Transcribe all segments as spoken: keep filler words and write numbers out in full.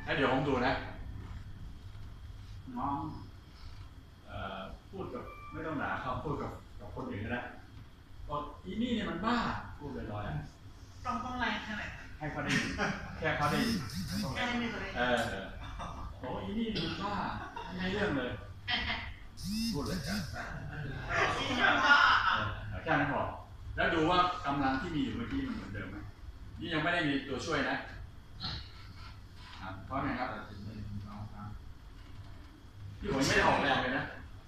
แล้วเดี๋ยวผมดูนะน้องพูดกับไม่ต้องด่าเขาพูดกับกับคนอื่นก็ได้ก็อีนี่เนี่ยมันบ้าพูดลอยๆต้องต้องแรงแค่ไหนให้เขาได้ยินแค่เขาได้ยินแค่นี้เลยเออโอ้อีนี่มันบ้าไม่เรื่องเลยพูดเลยกันแค่นั้นพอแล้วดูว่ากำลังที่มีอยู่เมื่อกี้มันเหมือนเดิมไหมนี่ยังไม่ได้มีตัวช่วยนะเพราะไงครับที่ผมไม่ได้ออกแรงเลยนะ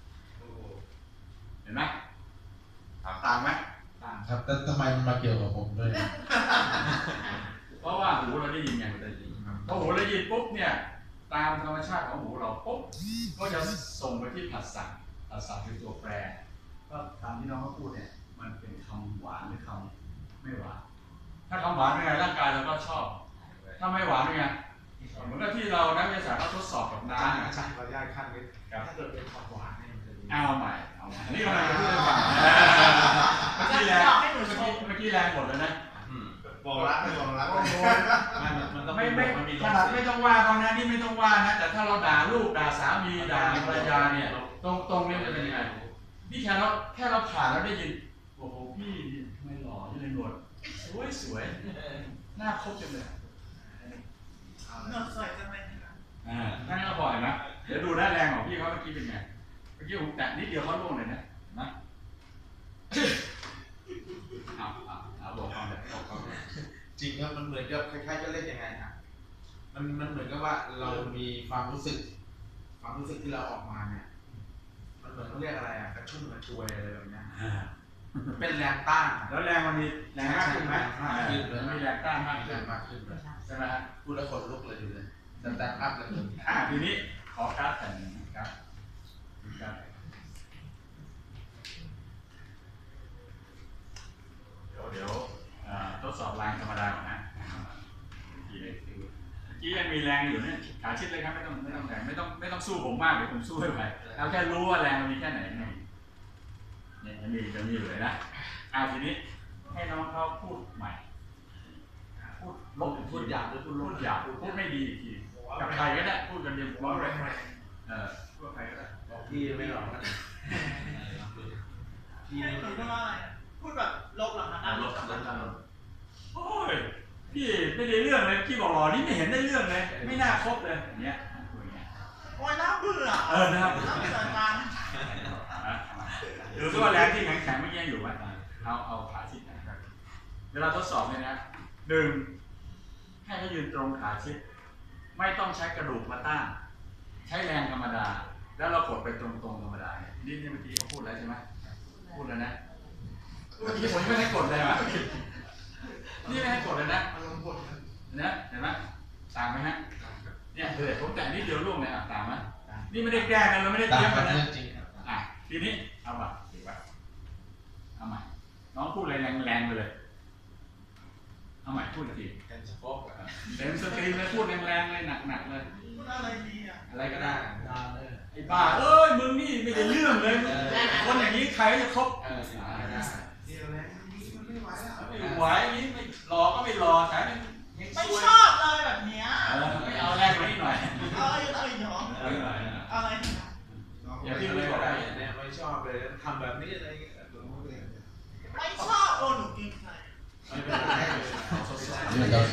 เห็นไหมต่างไหมต่างครับแต่ทำไมมันมาเกี่ยวกับผมด้วยเพราะว่าหูเราได้ยินไงพอหูเราได้ยินปุ๊บเนี่ยตามธรรมชาติของหูเราปุ๊บก็จะส่งไปที่ผัสสะผัสสะคือตัวแปรก็ตามที่น้องเขาพูดเนี่ยมันเป็นคำหวานหรือคำไม่หวานถ้าคำหวานเป็นไงร่างกายเราก็ชอบถ้าไม่หวานเป็นไงเหมือนกับที่เรานักวิทยาศาสตร์เขาทดสอบกับน้ำใช่เราย่อยขั้นนิดถ้าเกิดเป็นความหวานเนี่ยมันจะดีเอาใหม่เอาใหม่นี่กำลังจะพูดให้ฟังเมื่อกี้แรงเมื่อกี้เมื่อกี้แรงหมดเลยนะบอกรักไม่บอกรักไม่ไม่ขนาดไม่ต้องว่าเขานะนี่ไม่ต้องว่านะแต่ถ้าเราด่าลูกด่าสามีด่าภรรยาเนี่ยตรงตรงนี้จะเป็นยังไงนี่แค่เราแค่เราผ่านแล้วได้ยินโอ้โหพี่ไม่หล่อยังเลยหนวดสวยสวยหน้าครบจังเลยหนวดสวยจังเลยอ่านั่นก็บ่อยนะเดี๋ยวดูหน้าแรงของพี่เขาเมื่อกี้เป็นไงเมื่อกี้ผมแตะนิดเดียวเขาล่วงเลยนะนะเอาเอาเอาบอกความแบบบอกความจริงครับมันเหมือนกับคล้ายๆจะเล่นยังไงฮะมันมันเหมือนกับว่าเรามีความรู้สึกความรู้สึกที่เราออกมาเนี่ยมันเหมือนเขาเรียกอะไรอ่ะกระชุ่มกระชวยอะไรแบบนี้เป็นแรงต้านแล้วแรงมันมีแรงมากขึ้นไหมมีแรงต้านมากขึ้นมากขึ้นใช่ไหมฮะพูดแล้วขนลุกเลยดูเลยแต่แต่อัพเลยอ่าทีนี้ขอการ์ดแผ่นหนึ่งครับการ์ดเดี๋ยวเดี๋ยวทดสอบแรงธรรมดาก่อนนะทีนี้กี้ยังมีแรงอยู่เนี่ยขาชิดเลยครับไม่ต้องไม่ต้องแรงไม่ต้องไม่ต้องสู้ผมมากเดี๋ยวผมสู้ให้ไปเอาแค่รู้ว่าแรงมันมีแค่ไหนเนี่ยจะมีจะมีอยู่เลยนะอ่าทีนี้ให้น้องเขาพูดใหม่พูดลบพูดหยาบหรือพูดลบหยาบพูดไม่ดีอีกทีกับใครก็ได้พูดกันเดียวว่าไม่เออพูดใครก็ได้บอกพี่ไม่หรอกพี่ไม่พูดว่าอะไรพูดแบบลบหรอครับลบลบลบโอ้ยพี่ไม่ได้เรื่องเลยพี่บอกหล่อนี่ไม่เห็นได้เรื่องเลยไม่น่าคบเลยอย่างเงี้ยโอ้ยน่าเบื่อเออน่าเบื่อจังหรือว่าแรงที่แข็งแข็งไม่แย่อยู่ไหมเอาเอาขาชิดนะครับเวลาทดสอบเนี่ยนะหนึ่งให้เขายืนตรงขาชิดไม่ต้องใช้กระดูกมาต้านใช้แรงธรรมดาแล้วเรากดไปตรงๆธรรมดาเนี่ยนี่เมื่อกี้เขาพูดแล้วใช่ไหมพูดแล้วนะเมื่อกี้ผมไม่ให้กดเลยว่ะนี่ไม่ให้กดเลยนะนะเห็นไหมต่างไหมฮะเนี่ยเดี๋ยวผมแต่นิดเดียวล่วงเลยอ่ะต่างไหมนี่ไม่ได้แก้กันเราไม่ได้เตรียมกันนะอ่ะทีนี้เอาแบบถือว่าเอาใหม่น้องพูดอะไรแรงๆไปเลยเอาใหม่พูดอีกทีเต็มสปอร์ตเต็มสตรีมเลยพูดแรงๆเลยหนักๆเลยพูดอะไรดีอ่ะอะไรก็ได้ไอ้บ้าเอ้ยมึงนี่ไม่ได้เรื่องเลยคนอย่างนี้ใครจะคบไม่ไหวอย่างนี้ไม่รอก็ไม่รอแถมไม่ชอบเลยแบบเนี้ยไม่เอาแรงไปนิดหน่อยเอาอะไรหรออะไรอย่าพี่เลยบอกได้เนี่ยไม่ชอบเลยทำแบบนี้อะไรไม่ชอบโอ้หนูกินใครไม่เป็นไรเดี๋ยว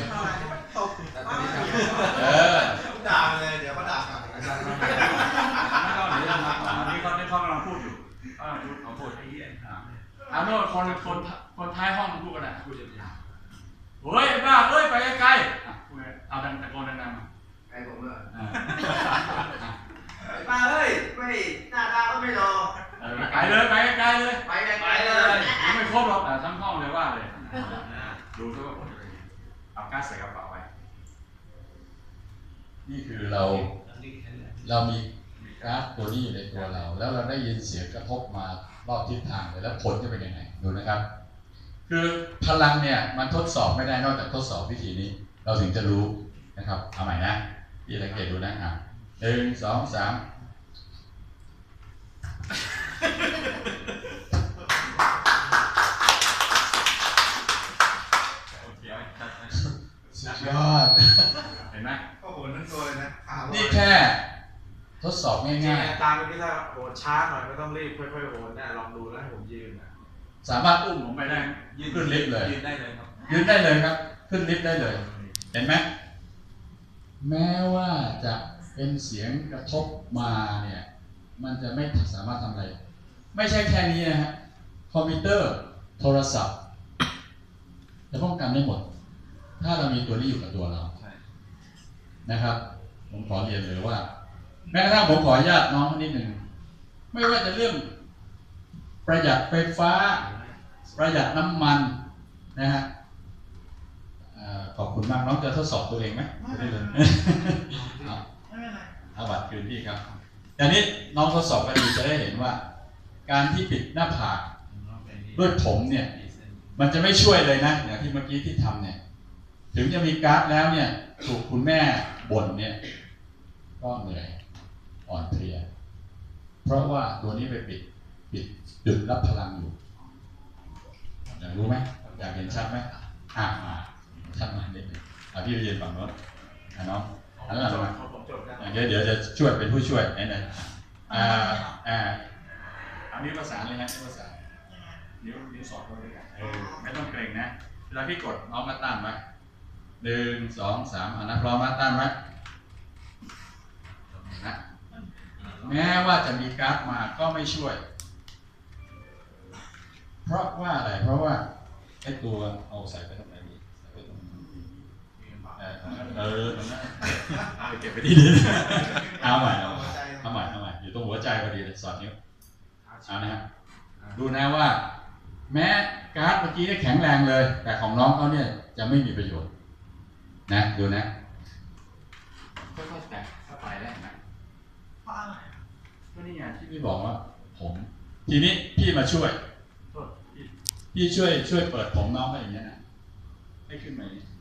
ด่าเลยเดี๋ยวก็ด่ากลับไม่ต้องเดี๋ยวมาอันนี้เขาได้เขากำลังพูดอยู่เขากำลังพูดเขาพูดไอ้เหี้ยอ่าโน่นคนคนคนท้ายห้องพูดกันนะพูดยาวเฮ้ยบ้าเฮ้ยไปไกลๆเอาดังตะโกนดังๆมาไกลผมเลยมาเฮ้ยไม่หน้าตาก็ไม่รอไปเลยไปไกลเลยไปไกลเลยไม่ครบหรอกทั้งห้องเลยว่าเลยดูด้วยว่าผมจะเอาก๊าซใส่กระเป๋าไว้นี่คือเราเรามีก๊าซตัวนี้อยู่ในตัวเราแล้วเราได้ยินเสียงกระทบมารอบทิศทางเลยแล้วผลจะเป็นยังไงดูนะครับคือพลังเนี่ยมันทดสอบไม่ได้นอกจากทดสอบวิธีนี้เราถึงจะรู้นะครับเอาใหม่นะพี่สังเกตดูนะอ่ะหนึ่งสองสามสุดยอดเห็นไหมโอ้โหนั่นตัวเลยนะง่ายตามเมื่อกี้ถ้าโหนช้าหน่อยไม่ต้องรีบค่อยๆโหนนะลองดูแล้วให้ผมยืนนะๆ สามารถอุ้มผมไปได้ขึ้นลิฟต์เลยยืนได้เลยครับยืนได้เลยครับ ขึ้นลิฟต์ได้เลย เห็นไหมแม้ว่าจะเป็นเสียงกระทบมาเนี่ยมันจะไม่สามารถทำอะไร ไม่ใช่แค่นี้นะฮะคอมพิวเตอร์โทรศัพท์จะป้องกันได้หมด ถ้าเรามีตัวนี้อยู่กับตัวเรานะครับผมขอเรียนเลยว่าแม้กระทั่งผมขออนุญาตน้องนิดหนึ่งไม่ว่าจะเรื่องประหยัดไฟฟ้าประหยัดน้ำมันนะฮะขอบคุณมากน้องจะทดสอบตัวเองไหมไม่ได้เลยเอาไม่เป็นไรเอาบัตรคืนพี่ครับแต่นี้น้องทดสอบกันดีจะได้เห็นว่า การที่ปิดหน้าผากด้วยผมเนี่ยมันจะไม่ช่วยเลยนะอย่างที่เมื่อกี้ที่ทำเนี่ยถึงจะมีการ์ดแล้วเนี่ยถูกคุณแม่บ่นเนี่ยก็เหนื่อยอ่อนเพลียเพราะว่าตัวนี้ไปปิดปิดดึงรับพลังอยู่อยากรู้ไหมอยากเห็นชัดไหมอ่ามาชัดมาเด็กเอาพี่ไปยืนฝั่งโน้นอ่ะน้องอันนั้นมาผมจบนะเดี๋ยวเดี๋ยวจะช่วยเป็นผู้ช่วยไหนไหนอ่าอ่าเอานิ้วประสานเลยนะนิ้วประสานนิ้วนิ้วสอดเข้าด้วยกันเออไม่ต้องเกรงนะเวลาพี่กดน้องมาตั้งไว้หนึ่งสองสามอ่านักร้องมาตั้งไว้นะแม้ว่าจะมีการ์ดมาก็ไม่ช่วย เพราะว่าอะไรเพราะว่าไอ้ตัวเอาใส่ไปตรงไหนดีใส่ไปตรงนี้เออเออตรงนั้นเอาไปเก็บไปที่นี่เอาใหม่เอาใหม่เอาใหม่เอาใหม่อยู่ตรงหัวใจพอดีเลยสอดนิ้วเอานะฮะดูนะว่า แม้การ์ดเมื่อกี้ได้แข็งแรงเลย แต่ของน้องเขาเนี่ยจะไม่มีประโยชน์นะดูนะค่อยๆแตะเข้าไปได้ไหมเพราะอะไรก็นี่ไงที่พี่บอกว่าผมทีนี้พี่มาช่วยโทษพี่พี่ช่วยช่วยเปิดผมน้องไปอย่างเงี้ยนะให้ขึ้นมาอย่างนี้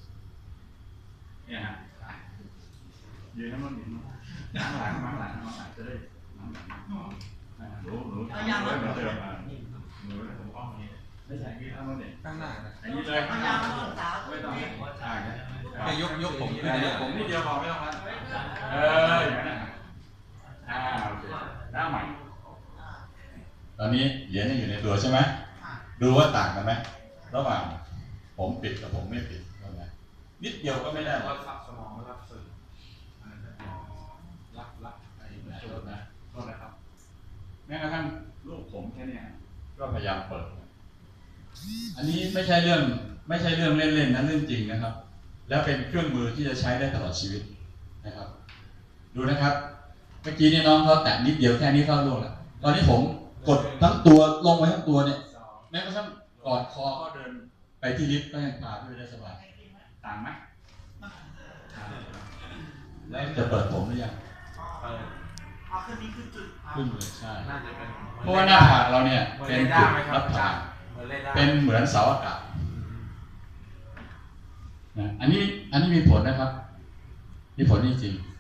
เนี่ยฮะยืนน้ำมันยืนน้ำหลังน้ำหลังน้ำหลังจะได้น้ำหลังหนูหนูทำไว้เหมือนเดิมอ่ะหนูผมอ้อมนี้ไม่ใช่ที่ทำมันเนี่ยข้างหน้านะอันนี้เลยพยายามมาศึกษาไม่ต้องอ่าแค่ยกยกผมขึ้นยกผมนิดเดียวพอไม่ต้องมัดเอออย่างนั้นอ่าโอเคหน้าใหม่ตอนนี้เหรียญยังอยู่ในตัวใช่ไหมดูว่าต่างกันไหมระหว่างผมปิดกับผมไม่ปิดก็ไงนิดเดียวก็ไม่ได้หรรัอกบสมองรับสื่อรับรับไอ้โทษนะโทษนะครับแม้กระทั่งลูกผมแค่เนี้ยก็พยายามเปิด อันนี้ไม่ใช่เรื่องไม่ใช่เรื่องเล่นๆนะเรื่องจริงนะครับ แล้วเป็นเครื่องมือที่จะใช้ได้ตลอดชีวิตนะครับ ดูนะครับ เมื่อกี้นี่น้องเขาแตะนิดเดียวแค่นี้เข้าลงแล้วตอนนี้ผมกดทั้งตัวลงไปทั้งตัวเนี่ยแม้กระทั่งกอดคอก็เดินไปที่ลิฟต์ก็ยังพาพี่ไปได้สบายต่างไหมแล้วจะเปิดผมหรือยังเปิดอ๋อคือนี่คือจุดขึ้นเลยใช่น่าจะเป็นเพราะว่าหน้าผากเราเนี่ยเป็นจุดรับพลังเหมือนเล่นได้เป็นเหมือนเสาอากาศนะอันนี้อันนี้มีผลนะครับ มีผลจริงๆ